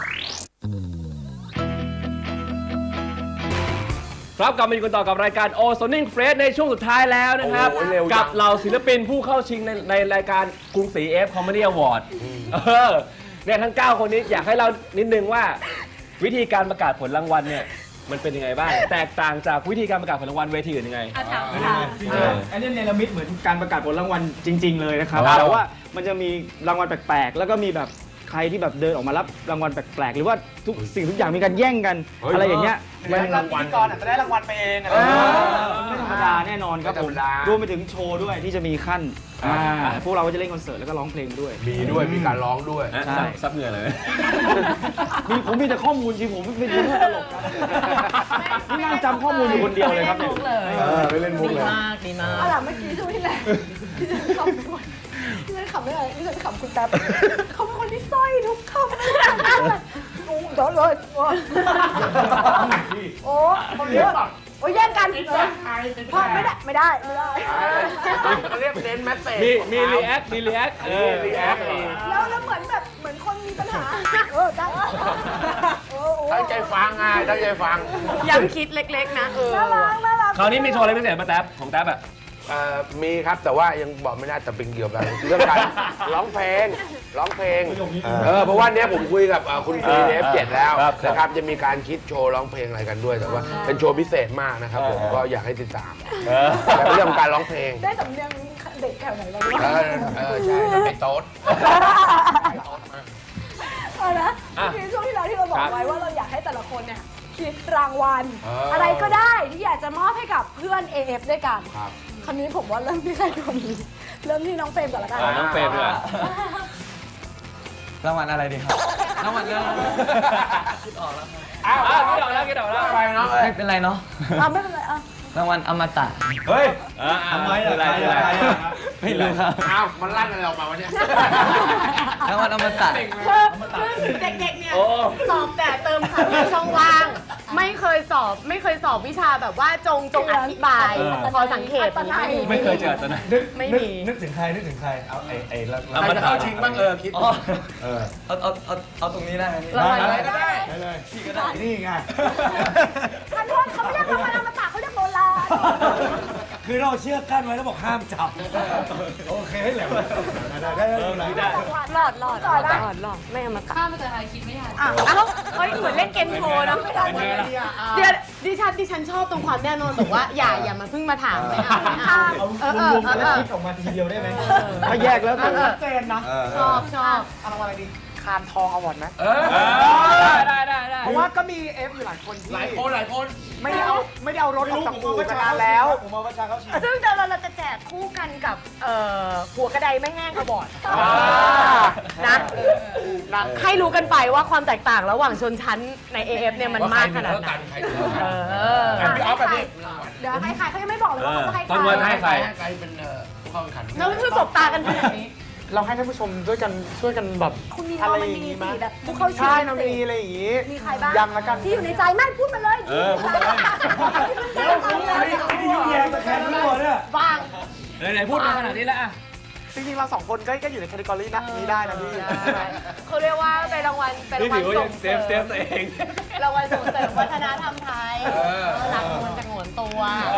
Speaker 2: ครับกลับมาอยู่กันต่อกับรายการ O Sounding Fresh ในช่วงสุดท้ายแล้วนะครับกับเหล่าศิลปินผู้เข้าชิงในในรายการกรุงศรี เอ เอฟ Comedy Award เออเนี่ยทั้งเก้าคนนี้อยากให้เรานิดนึงว่าวิธีการประกาศผลรางวัลเนี่ยมันเป็นยังไงบ้างแตกต่างจากวิธีการประกาศผลรางวัลเวทีอื่นยังไง
Speaker 10: อันนี้เนรมิตเหมือนการประกาศผลรางวัลจริงๆเลยนะครับแต่ว่ามันจะมีรางวัลแปลกๆแล้วก็มีแบบใครที่แบบเดินออกมารับรางวัลแปลกๆหรือว่าทุกสิ่งทุกอย่างมีการแย่งกันอะไรอย่างเงี้ย
Speaker 8: รางวัลก่อนอาจจะได้รางวัลไปเองอะไร
Speaker 10: ไม่ธรรมดาแน่นอนครับผมรวมไปถึงโชว์ด้วยที่จะมีขั้นพวกเราก็จะเล่นคอนเสิร์ตแล้วก็ร้องเพลงด้วย
Speaker 5: มีด้วยมีการร้องด้วย
Speaker 2: ใช่ซับเหงื่อเลย
Speaker 10: มีผมมีแต่ข้อมูลจริงผมไม่รู้ตลกนี่นั่งจำข้อมูลอยู่คนเดียวเลยครับเนี่ย
Speaker 3: ไม่เล่นมุกเลย
Speaker 4: ดีมากดีมาก
Speaker 1: เอาล่ะเมื่อกี้ช่วงที่แล้วที่ฉันขำไม่อะไรที่ฉันขำคุณแป๊บเขาเป็นคนที่สร้อยทุกคำเลยโอ้โดนเลยโอ้เขาเยอะโอ้ยแย่งกันพอไม่ได้ไม่ได้ไม่ได้
Speaker 5: เรียกเน้นแมสเซจ
Speaker 2: มีมีรีแอคมีรีแอคเออรีแอค
Speaker 1: แล้วแล้วเหมือนแบบเหมือนคนมีปัญหาเออได้
Speaker 5: ตั้งใจฟังไงตั้งใจฟัง
Speaker 4: ย้ำคิดเล็กๆนะเออ
Speaker 1: น่ารักน่ารัก
Speaker 2: คราวนี้มีโชว์อะไรพิเศษมาแท็บของแท็บอะ
Speaker 5: มีครับแต่ว่ายังบอกไม่ได้แต่เป็นเกี่ยวกับเรื่องการร้องเพลงร้องเพลงเออเพราะว่าเนี้ยผมคุยกับคุณครีเอฟเจ็ดแล้วนะครับจะมีการคิดโชว์ร้องเพลงอะไรกันด้วยแต่ว่าเป็นโชว์พิเศษมากนะครับผมก็อยากให้ติดตามแต่เรื่องการร้องเพลง
Speaker 1: ได้สำเนียงเด็กแถวไหนบ้าง
Speaker 5: เออเออใช่ไปโต๊ด
Speaker 1: เอาละทีช่วงที่เราที่เราบอกไว้ว่าเราอยากให้แต่ละคนเนี่ยคิดรางวัลอะไรก็ได้ที่อยากจะมอบให้กับเพื่อน เอ เอฟ ด้วยกันคำนี้ผมว่าเริ่มที่ใครก่อนดีเริ่มที่น้องเฟรมก่อนละกัน
Speaker 2: น้องเฟรมเลย
Speaker 7: รางวัลอะไรดีครับรางวัลอะไรคิดออกแล้ว
Speaker 2: อ้าวคิดออกแล้วคิดออกแล้ว
Speaker 7: ไปเนาะไม่เป็นไรเนาะ
Speaker 1: ไม่เป็นไรอ่ะ
Speaker 7: รางวัลอมตะ
Speaker 3: เฮ้ยทำไมอะไรอะไร
Speaker 7: ไม่รู้ครับ
Speaker 5: อ้าวมันลั่นอะไรออกมาวันนี้
Speaker 7: รางวัลอมตะ
Speaker 4: เด็กๆเนี่ยสอบแต่เติมคำในช่องว่างไม่เคยสอบไม่เคยสอบวิชาแบบว่าจงจงอธิบายพอสังเกต
Speaker 2: ไม่เคยเจอตอนนั้น
Speaker 3: ไม่มีนึกถึงใครนึกถึงใครเอาไอ้ไอ้
Speaker 5: เราจะเข้าชิงบ้างเออคิด
Speaker 7: เออเอาเอาเอาเอาตรงนี้ได้ไหม
Speaker 1: รางวัลอะไร
Speaker 3: ก็ได้เลยพี่ก็ได้นี่ไง
Speaker 1: ท่านโทษเขาไม่เรียกรางวัลอมตะเขาเรียกโบราณ
Speaker 3: คือเราเชื่อกั้นไว้แล้วบอกห้ามจับโอเคให้แหลมได้ได้ได้
Speaker 1: หลอดหลอดหลอดหลอด
Speaker 4: หลอดไม่เอามา
Speaker 6: ข้ามไปเจอใครคิดไม่ทัน
Speaker 4: อ้าวเฮ้ยเหมือนเล่นเกมโชว์นะไม่ทันเดี๋ยวดิฉันดิฉันชอบตรงความแน่นอนบอกว่าอย่าอย่ามาเพิ่งมาถามไม่เอาไม่เอา
Speaker 3: เออเออเออคิดออกมาทีเดียวได้ไหมถ้าแยกแล้ว
Speaker 8: ชัดเจนนะ
Speaker 4: ชอบชอบ
Speaker 8: เอารางวัลอะไรดีคานทองอวอร์ดไหม
Speaker 2: เออได้ได้ได้
Speaker 8: เพราะว่าก็มีเอฟอยู่หลายคน
Speaker 5: หลายคนหลายคน
Speaker 8: ไม่ได้เอาไม่ได้เอารถออกจากอู่มานานแล้ว
Speaker 3: ผมมาประชาเขาชิง
Speaker 4: ซึ่งเดี๋ยวเราจะแจกคู่กันกับหัวกระไดไม่แห้งอวอร์ดนะนะให้รู้กันไปว่าความแตกต่างระหว่างชนชั้นใน เอ เอฟ เนี่ยมันมากขนาดไหน
Speaker 5: เออพี่ออฟแบบนี้
Speaker 1: เดี๋ยวให้ใครเขายังไม่บอกเลยว่าเขาให้ใคร
Speaker 2: ต้นวันให้ใคร
Speaker 5: ใครเป็นผู้เข้าแข่งขัน
Speaker 4: แล้วคือสบตากันขนาดนี้
Speaker 8: เราให้ท่านผู้ชมด้วยกันช่วยกันแบบ
Speaker 1: อะไรอย่างนี้มั้ยแบบผู้เข้าชิง
Speaker 8: ใช่น้องมีอะไรอย่างงี้
Speaker 1: มีใครบ้าง
Speaker 8: ยังละกัน
Speaker 1: ที่อยู่ในใจไม่พูดมาเลย
Speaker 2: เออพูดมาเลย
Speaker 3: นี่ยุ่งแย่ตะแคงทั้งหมดเนี่ย
Speaker 4: บ้าง
Speaker 2: ไหนๆพูดมาขนาดนี้แล้วอ่ะ
Speaker 8: จริงๆเราสองคนก็ก็อยู่ในแคตตากรีนะนี้ได้นะพี่
Speaker 4: เขาเรียกว่าเป็นรางวัลเป็นรางวัลส่ง
Speaker 2: เสริมเซฟตัวเอง
Speaker 4: รางวัลส่งเสริมวัฒนธรรมไทยหลักมันจะงวนตัว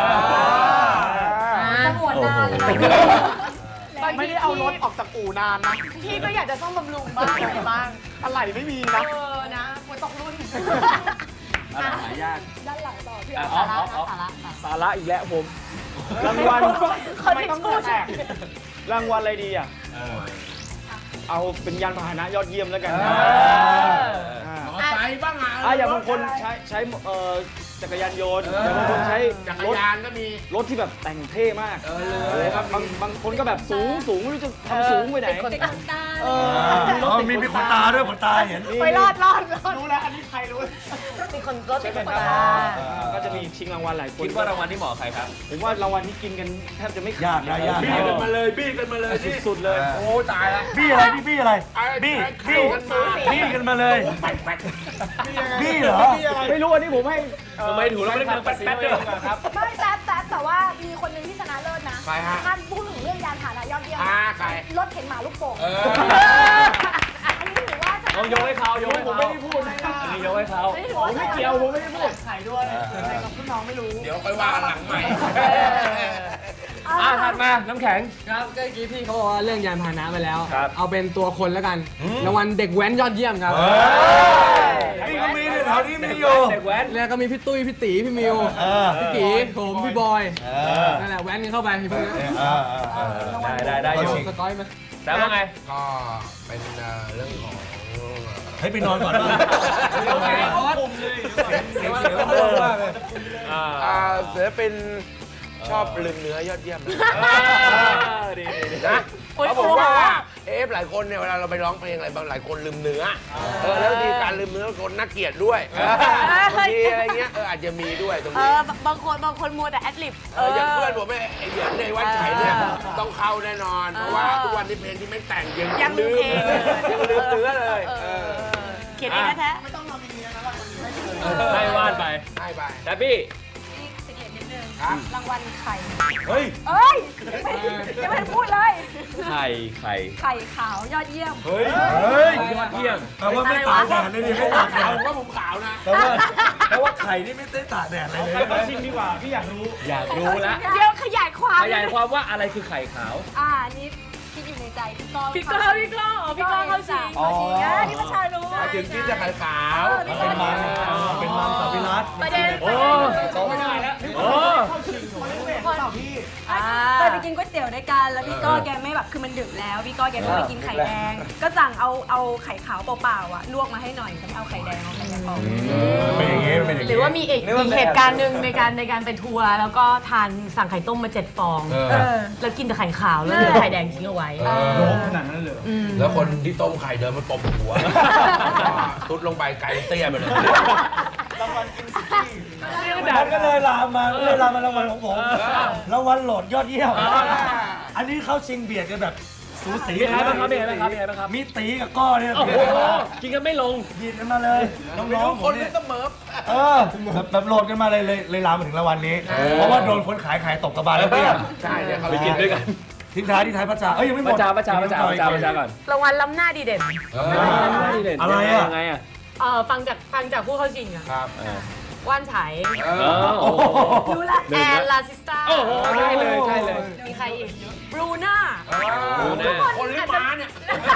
Speaker 1: จะงวนนานเลย
Speaker 8: ไม่ได้เอารถออกจากอู่นานนะ
Speaker 4: พี่ก็อยากจะซ่อมบำรุงบ้างอะไรบ้าง
Speaker 8: อะไรไม่มีนะ
Speaker 4: เออนะควรตกรุ่น
Speaker 2: อะไรหายาก
Speaker 1: ด้านหลังต่อพี่
Speaker 4: สาระสาระ
Speaker 10: สาระอีกแล้วผมรางวัล
Speaker 4: ไม่ต้องพูด
Speaker 10: รางวัลอะไรดีอ่ะเอาเป็นยานพาหนะยอดเยี่ยมแล้วกัน
Speaker 5: มอไซค์บ้างอ่ะ
Speaker 10: อ่ะอย่างบางคนใช้ใช้เอ่อจักรยานยนต์แต่บางคนใช้
Speaker 5: จักรยานก็มี
Speaker 10: รถที่แบบแต่งเท่มากเออเลยครับบางบางคนก็แบบสูงสูงไม่รู้จะทำสูงไปไหนคนตาเออ
Speaker 3: มีมีขนตาด้วยขนตาเห็น
Speaker 1: ไปรอดรอดรอด
Speaker 8: รู้แล้วอันนี้ใครรู้
Speaker 4: มีคนรถติดคนตา
Speaker 10: ก็จะมีชิงรางวัลหลายคน
Speaker 2: คิดว่ารางวัลที่เหมาะใครครับ
Speaker 10: ผมว่ารางวัลที่กินกันแทบจะไม่
Speaker 3: ยากนะยาก
Speaker 5: บี้กันมาเลยบี้กันมาเลย
Speaker 10: สุดๆเลย
Speaker 5: โอ้ตายละ
Speaker 3: บี้อะไรบี้บี้อะไรบี้บี้
Speaker 5: กันมา
Speaker 3: บี้กันมาเลยบี้เหรอ
Speaker 10: ไม่รู้อันนี้ผมให้
Speaker 2: ทำไมถูกแล้วไม่ได้เงินแป๊ดๆด้วย
Speaker 10: ครับ
Speaker 1: ไม่แต่แต่แต่ว่ามีคนหนึงที่ชนะเลิศนะ
Speaker 5: ใครฮะ
Speaker 1: ท่านพูดถึงเรื่องยานพาหนะยอดเยี่ยม
Speaker 5: อ่าใคร
Speaker 1: รถเข็นหมาลูกโป่ง
Speaker 5: เออ
Speaker 1: อันนี้ถือว่าชนะ
Speaker 2: เอายกให้เขายกให้
Speaker 10: ผม
Speaker 2: เขา
Speaker 10: ไม่ได้พูดนะ
Speaker 2: อันนี้ยกให้เขา
Speaker 1: อันนี้ถือว่าชนะ
Speaker 10: เกี่ยวผมไม่ได้พูด
Speaker 8: ไข่ด้วยใครกับพี่น้องไม่รู้
Speaker 5: เดี๋ยวค่อยว่ากันหลังใหม่
Speaker 2: อ่าถัดมาน้ำแข็ง
Speaker 7: ครับก็เมื่อกี้พี่เขาบอกว่าเรื่องยานพาหนะไปแล้ว
Speaker 2: ครับ
Speaker 7: เอาเป็นตัวคนแล้วกันรางวัลเด็กแว้นยอดเยี่ยมครับ
Speaker 3: นี่ก็มีแถวนี้มีอยู่
Speaker 2: เด็กแว้น
Speaker 7: แล้วก็มีพี่ตุ้ยพี่ตีพี่มิว
Speaker 3: เออ
Speaker 7: พี่กีผมพี่บอยนั่นแหละแว้นกันเข้าไปพี่พวกนี้
Speaker 2: ได้ได้ได้อยู่
Speaker 7: สก้อยไหม
Speaker 2: แต่ว่าไง
Speaker 5: ก็เป็นเอ่อเรื่องของ
Speaker 3: ให้ไปนอนก่อนนะ
Speaker 5: เสียงเสียงมากเลยอ่าศิลปินชอบลืมเนื้อยอดเยี่ยมนะเขาบอกว่าเอฟหลายคนเนี่ยเวลาเราไปร้องเพลงอะไรบางหลายคนลืมเนื้อเออแล้วบางทีการลืมเนื้อคนน่าเกลียดด้วยบางทีอะไรเงี้ยเอออาจจะมีด้วยตรง
Speaker 1: เอ
Speaker 5: นี้
Speaker 1: อบางคนบางคนมัวแต่แอดลิป
Speaker 5: เอออย่างเพื่อนผมไอ้เหยียนในวัดไฉเนี่ยต้องเข้าแน่นอนเพราะว่าทุกวันนี้เพลงที่ไม่แต่งยัง
Speaker 1: ยังลื
Speaker 5: ลื
Speaker 1: ม
Speaker 5: ม
Speaker 1: เพลง
Speaker 5: ยังลืมเนื้อเลยเออ
Speaker 1: เขียนเองแท้
Speaker 8: ไม่ต้องทำดีๆนะวันนี้ไม่
Speaker 2: ให้วาดไป
Speaker 5: ให้ไป
Speaker 2: แต่พี่
Speaker 1: สิเกตนิดนึง
Speaker 5: ครับ
Speaker 1: รางวัลไข่
Speaker 3: เฮ้ย
Speaker 1: เอ้ยยังไม่ยังไม่พูดเลย
Speaker 2: ไข่ไข่
Speaker 1: ไข่ขาวยอดเยี่ยม
Speaker 3: เฮ้ยเฮ้ย
Speaker 2: ยอดเยี่ยม
Speaker 3: แปลว่าไม่ตากแดดเลยดิไม่ตากแด
Speaker 5: เอา
Speaker 3: ด
Speaker 5: ว่าผมขาวนะ
Speaker 3: แปลว่าแปลว่าไข่นี่ไม่ได้ตากแดดอะไรเลย
Speaker 10: ใครมาชิงดีกว่าพี่อยากรู้
Speaker 2: อยากรู้แล้ว
Speaker 1: เดี๋ยวขยายความ
Speaker 2: ขยายความว่าอะไรคือไข่ขาว
Speaker 1: อ่านี่คิดอยู่ในใจพี่ก้อง
Speaker 4: พี่ก้องพี่ก้องอ๋อพี่ก้องเข้าชิง
Speaker 1: เข้าชิงนะนี่ประชารู้
Speaker 5: ถึงที่จะขายขาว
Speaker 3: เป็นมันเป็นมันสับปิรัต
Speaker 4: ประเด็น
Speaker 2: โอ้ไม่ได้แล้วโอ้
Speaker 1: เคยไปกินก๋วยเตี๋ยวด้วยกันแล้วพี่ก้อแกไม่แบบคือมันดึกแล้วพี่ก้อแกไม่ไปกินไข่แดง ก็สั่งเอาเอาไข่ขาวเปล่าๆอ่ะลวกมาให้หน่อยแต่ไม่เอาไข่แดงเอาไข่แดงออก
Speaker 3: เป็นอย่างงี้เป็นอย่าง
Speaker 4: หรือ
Speaker 3: งี้
Speaker 4: ว่ามีอีกอีกเหตุการณ์หนึ่งในการในการไปทัวร์แล้วก็ทานสั่งไข่ต้มมาเจ็ดฟอง
Speaker 5: เออ
Speaker 4: แล้วกินแต่ไข่ขาวแล้วเหลือไข่แดงทิ้งเอาไว้
Speaker 10: โดมขนาดนั้นเลย
Speaker 5: แล้วคนที่ต้มไข่เดินมาตบหัวทุดลงไปไก่เตี้ยไปเลย
Speaker 3: มันก็เลยลามมาก็เลยลามมารางวัลของผมรางวัลโหลดยอดเยี่ยมอันนี้เข้าชิงเบียดกันแบบสูสี
Speaker 2: มีใครบ้างครับมีใครบ้างครับมีใครบ้างครับ
Speaker 3: มีตีกับก้อเนี่ย
Speaker 2: โอ้โหกินกันไม่ลง
Speaker 3: ยินกันมาเลยน้องๆผมเนี่ย
Speaker 5: เสมอ
Speaker 3: เออแบบแบบโหลดกันมาเลยเลยเลยลามมาถึงรางวัลนี้ เพราะว่าโดนคนขายขายตกกระบาลแล้วเตี้ย
Speaker 5: ใช่เนี่ยเขา
Speaker 2: ไปกินด้วยกัน
Speaker 3: ทิ้งท้ายที่ท้ายพระจ่าเอ้ยยังไม่หม
Speaker 2: ประ
Speaker 3: ด
Speaker 2: จาประจาประจาประจาประจาก่อน
Speaker 4: รางวัลล้ำหน้าดีเด่น
Speaker 3: อะไรอ่ะ
Speaker 2: ยังไงอ่ะ
Speaker 4: เออฟังจากฟังจากผู้เข้าชิงอะ
Speaker 5: ครับ
Speaker 4: ว่านไฉ
Speaker 5: เอ
Speaker 2: เอ
Speaker 5: อ
Speaker 2: อโอ้โห
Speaker 1: รู้ละ
Speaker 4: แอนลาซิสตา
Speaker 2: โอ้โหใช่เลยใช่เลย
Speaker 4: มีใครอีกบรูน่า
Speaker 5: คนลิ้นม้าเนี่ย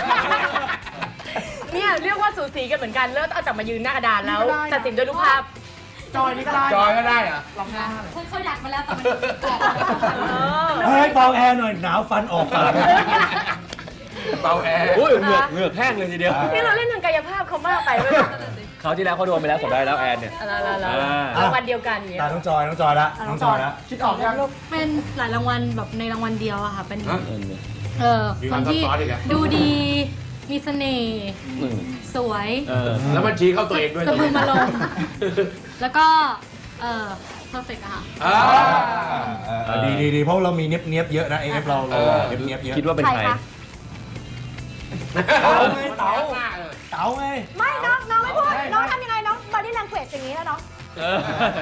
Speaker 4: เนี่ยเรียกว่าสูสีกันเหมือนกันแล้วเอาจับมายืนหน้ากระดานแล้วตัดสินด้วยรูปภาพ
Speaker 8: จอยนี่ก็ได้
Speaker 5: จอยก็ได้เหรอ
Speaker 6: เขาอยากมาแล้วแต่มัน
Speaker 3: เฮ้ยเบาแอร์หน่อยหนาวฟันออกปาก
Speaker 5: เบาแอร์
Speaker 2: โอ้ยเหงือกเหงือกแห้งเลยทีเดียว
Speaker 4: นี่เราเล่นทางกายภาพเขามากไปเว้ย
Speaker 2: เขาวที่แล้วเขาโดนไปแล้วผมได้แล้วแอนเนี่ย
Speaker 4: รางวัลเดียวกันเนี่ย
Speaker 3: ตาน้องจอยน้องจอยละน้องจอยละ
Speaker 8: คิดออกยัง
Speaker 6: เป็นหลายรางวัลแบบในรางวัลเดียวอะค่ะ เป็น
Speaker 5: ฮะ
Speaker 6: เออคนที่ดูดี มีเสน่ห์ สวย
Speaker 2: เออ
Speaker 5: แล้วมันชี้เข้าตัวเองด้วย
Speaker 6: สะพึงมาลง แล้วก็ เออ perfect อะค่ะ
Speaker 5: อ่า
Speaker 3: ดีดีดีเพราะเรามีเนี้ยบเนี้ยบเยอะนะเอฟเราเราเนี้ยบเนี้ยบเยอะ
Speaker 2: คิดว่าเป็นใคร
Speaker 3: เต๋าไงเต๋าเต๋าไง
Speaker 1: ไม่น้องน้องไม่พูดน้องทำยังไงน้อง body language อย่างนี้แล้วน้อง
Speaker 2: เออ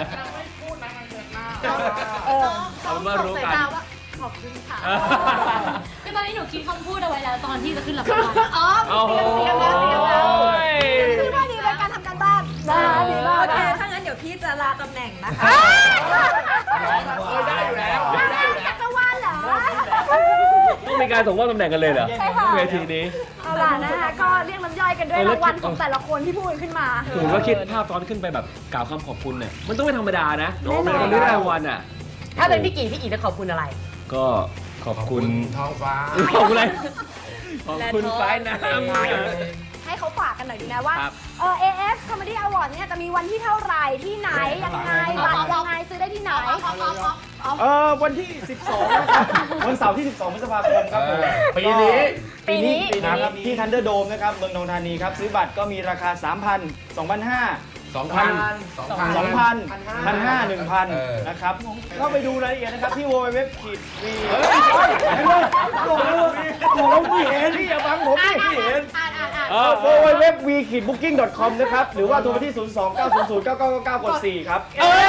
Speaker 1: เออ
Speaker 2: เอามารู้กัน
Speaker 6: ขอบคุณค่ะคือตอนนี้หนูคิดคำพูดเอาไว้แล้วตอนที่จะขึ้นรับรางวัล
Speaker 1: อ๋อ
Speaker 2: โอ้โห
Speaker 1: เตรียมแล้วเตรียมแล้วคือว่าดีเป็นการทำการบ้านนะคะดีมาก
Speaker 11: โอเค ถ้างั้นเดี๋ยวพี่จะลาตำแหน่งนะคะ
Speaker 5: เออได้อยู่แล้ว
Speaker 1: ได้จักรวาลเหรอ
Speaker 2: ต้องมีการส่งมอบตำแหน่งกันเลยเหรอ
Speaker 1: ใช่ค่ะ
Speaker 2: เวทีนี้
Speaker 1: เอาล่ะนะคะก็เรียกน้ำย่อยกันด้วยรางวัลของแต่ละคนที่พูดขึ้นมา
Speaker 2: ผมก็คิดภาพตอนขึ้นไปแบบกล่าวคำขอบคุณเนี่ยมันต้องไม่ธรรมดานะ
Speaker 1: แน่นอน
Speaker 2: เป็นคนที่ได้รางวัลอ่ะ
Speaker 4: ถ้าเป็นพี่กี่พี่กี่จะขอบคุณอะไร
Speaker 2: ก็ขอบคุณ
Speaker 5: ท้องฟ้า
Speaker 2: ขอบคุณอะไรขอบคุณฟ้ายน้ำ
Speaker 1: ให้เขาฝากกันหน่อยดีนะว่าเออ เอ เอฟ Comedy Award เนี่ยจะมีวันที่เท่าไหร่ที่ไหนยังไงบัตรยังไงซื้อได้ที่ไหน
Speaker 10: เออวันที่สิบสองนะครับวันเสาร์ที่สิบสองพฤษภาคมครับผม
Speaker 2: ปีนี้
Speaker 10: ปีนี้นะครับที่ Thunderdome นะครับเมืองทองธานีครับซื้อบัตรก็มีราคา สามพัน สองพันห้าร้อย
Speaker 5: สองพัน
Speaker 10: สองพัน หนึ่งพันห้าร้อย หนึ่งพันนะครับก็ไปดูรายละเอียดนะครับที่ ดับเบิลยู ดับเบิลยู ดับเบิลยู ดอท วี บอกแล้วพี่เห็นพี่อย่าฟังผมพี่เห็น ดับเบิลยู ดับเบิลยู ดับเบิลยู ดอท วี บุ๊กกิ้ง ดอท คอม นะครับหรือว่าโทรไปที่ ศูนย์ สอง เก้า ศูนย์ ศูนย์ เก้า เก้า เก้า กด สี่ ครับ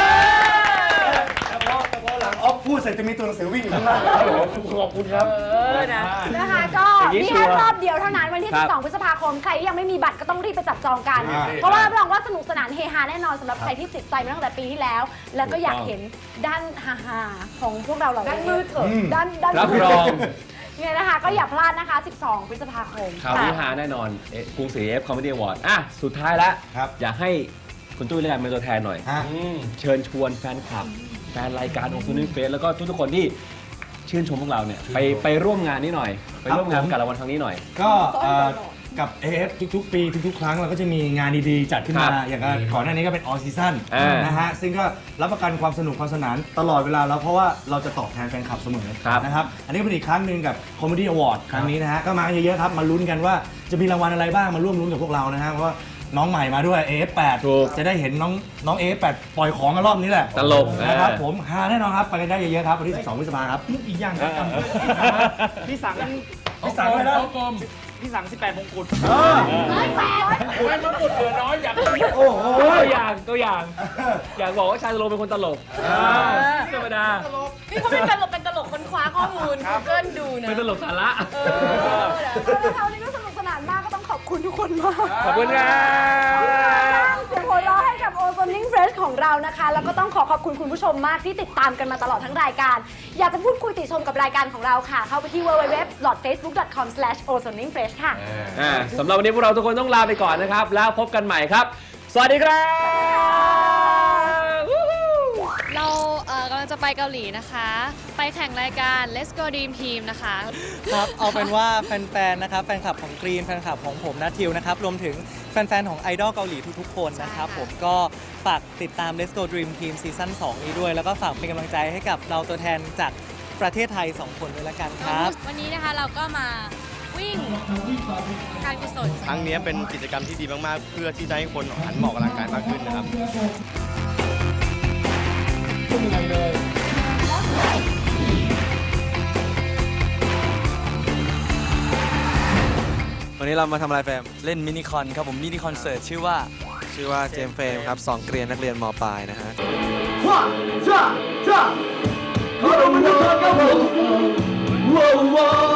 Speaker 3: หลังออฟพูดเสร็จจะมีตัวหนังสือวิ่งอยู่ข้างล่างขอบคุณครับ
Speaker 1: นะคะก็นี่แค่รอบเดียวเท่านั้นวันที่สิบสองพฤษภาคมใครที่ยังไม่มีบัตรก็ต้องรีบไปจับจองกันเพราะว่ารับรองว่าสนุกสนานเฮฮาแน่นอนสำหรับใครที่ติดใจมาตั้งแต่ปีที่แล้วแล้วก็อยากเห็นด้านฮาๆของพวกเราเหล่านี้ด้านมืดเถอะด้านด้าน
Speaker 2: รับรอง
Speaker 1: เนี่ยนะคะก็อย่าพลาดนะคะสิบสองพฤษภาคม
Speaker 2: ข่าวนี้ฮาแน่นอนกรุงศรี เอ เอฟ Comedy Award อ่ะสุดท้ายแล้วอยากให้คุณตุ้ยเล่นเป็นตัวแทนหน่อยเชิญชวนแฟนคลับแฟนรายการโอซูนิ่งเฟสแล้วก็ทุกๆคนที่ชื่นชมพวกเราเนี่ยไปไปร่วมงานนี้หน่อยไปร่วมงานกับรางวัลครั้งนี้หน่อย
Speaker 3: ก็กับ เอ เอฟ ทุกๆปีทุกๆครั้งเราก็จะมีงานดีๆจัดขึ้นมาอย่างก่อนหน้านี้ก็เป็น All Season นะฮะซึ่งก็รับประกันความสนุกความสนานตลอดเวลาแล้วเพราะว่าเราจะตอบแทนแฟนคลับเสมอนะครับอันนี้เป็นอีกครั้งหนึ่งกับ Comedy Award ครั้งนี้นะฮะก็มาเยอะๆครับมาลุ้นกันว่าจะมีรางวัลอะไรบ้างมาร่วมลุ้นกับพวกเรานะฮะเพราะว่าน้องใหม่มาด้วย เอ เอฟ แปด จะได้เห็นน้องน้อง เอ เอฟ แปด ปล่อยของกันรอบนี้แหละ
Speaker 2: ตลก
Speaker 3: นะครับผมฮาแน่นอนครับไปกันได้เยอะๆครับวันที่สิบสองพฤษภาคมครับ
Speaker 10: อีกอย่างครับพี่สัง
Speaker 3: พี่สังเลยนะ
Speaker 10: พี่สังสิบแปดมงกุฎ
Speaker 2: เออแปดมงกุฎเหลือน้อยอยากโอ้โหตัวอย่างตัวอย่างอยากบอกว่าชายตลกเป็นคนตลกธรรมดา
Speaker 4: นี่เขาเป็นตลกเป็นตลกค้นคว้าข้อมูลเกินดูนะ
Speaker 2: เป็นตลกสาระ
Speaker 1: เท่านี้ก็สนุกสนานมากก็ต้องขอบคุณทุกคนมาก
Speaker 2: ขอบคุณครับ
Speaker 1: เสียงหัวเราะให้กับ Ozoning Fresh ของเรานะคะแล้วก็ต้องขอขอบคุณคุณผู้ชมมากที่ติดตามกันมาตลอดทั้งรายการอยากจะพูดคุยติชมกับรายการของเราค่ะเข้าไปที่ ดับเบิลยู ดับเบิลยู ดับเบิลยู ดอท เฟซบุ๊ก ดอท คอม สแลช โอโซนิ่งเฟรช ค่ะ
Speaker 2: สำหรับวันนี้พวกเราทุกคนต้องลาไปก่อนนะครับแล้วพบกันใหม่ครับสวัสดีครับ
Speaker 6: เรากำลังจะไปเกาหลีนะคะไปแข่งรายการ Let's Go Dream Team นะคะ
Speaker 12: ครับเอาเป็นว่าแฟนๆนะครับแฟนคลับของกรีนแฟนคลับของผมนัททิวนะครับรวมถึงแฟนๆของไอดอลเกาหลีทุกๆคนนะครับผมก็ฝากติดตาม Let's Go Dream Team ซีซั่นสองนี้ด้วยแล้วก็ฝากเป็นกำลังใจให้กับเราตัวแทนจากประเทศไทยสองคนด้วยละกันครับ
Speaker 6: วันนี้นะคะเราก็มาวิ่งการกุศล
Speaker 13: ครั้งนี้เป็นกิจกรรมที่ดีมากๆเพื่อที่จะให้คนหันมาออกกำลังกายมากขึ้นนะครับ
Speaker 14: วันนี้เรามาทำอะไรแฟม
Speaker 7: เล่นมินิคอนครับผมมินิคอนเสิร์ตชื่อว่า
Speaker 14: ชื่อว่าเจมส์เฟรมครับสองเกรียนนักเรียนม.ปลายนะฮะ
Speaker 15: ว้าวว้าว